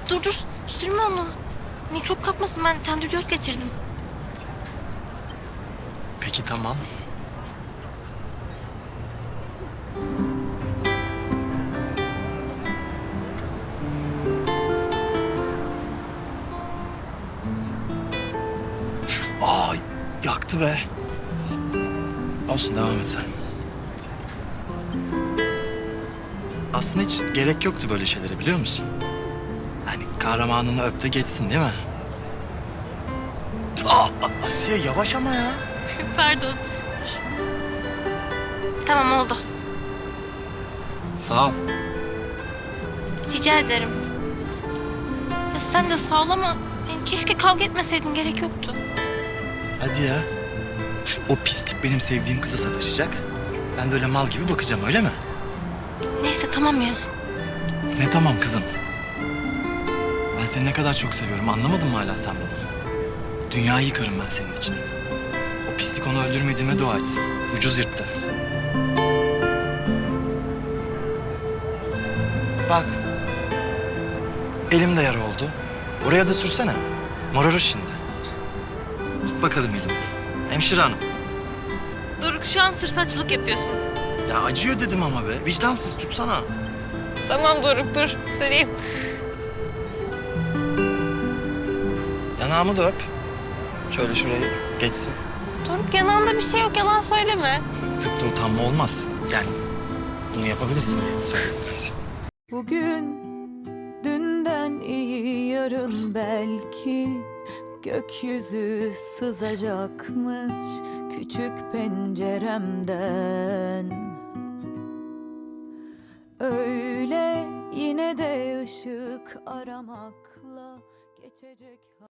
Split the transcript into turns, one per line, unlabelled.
Dur sürme onu. Mikrop kapmasın, ben tendürdiyot getirdim.
Peki tamam. Aa, yaktı be. Olsun, devam et sen. Aslında hiç gerek yoktu böyle şeylere, biliyor musun? Yani kahramanını öp de geçsin, değil mi? Asiye yavaş ama ya.
Pardon. Tamam, oldu.
Sağ ol.
Rica ederim. Ya sen de sağ ol ama yani keşke kavga etmeseydin, gerek yoktu.
Hadi ya. O pislik benim sevdiğim kıza sataşacak. Ben de öyle mal gibi bakacağım, öyle mi?
Neyse tamam ya.
Ne tamam kızım? Ben seni ne kadar çok seviyorum, anlamadın mı hala sen bunu? Dünyayı yıkarım ben senin için. O pislik onu öldürmediğime dua etsin. Ucuz yırttı. Bak. Elim de yara oldu. Oraya da sürsene. Morarır şimdi. Tut bakalım elimi. Hemşire hanım.
Doruk, şu an fırsatçılık yapıyorsun.
Ya acıyor dedim ama be. Vicdansız, tutsana.
Tamam Doruk, dur süreyim.
Yanağımı da öp. Şöyle şurayı geçsin.
Doruk, yanağında bir şey yok, yalan söyleme.
Tıpta utanma olmaz. Yani bunu yapabilirsin diye söyledim hadi.
Bugün dünden iyi, yarın belki gökyüzü sızacakmış küçük penceremden. Öyle yine de ışık aramakla geçecek.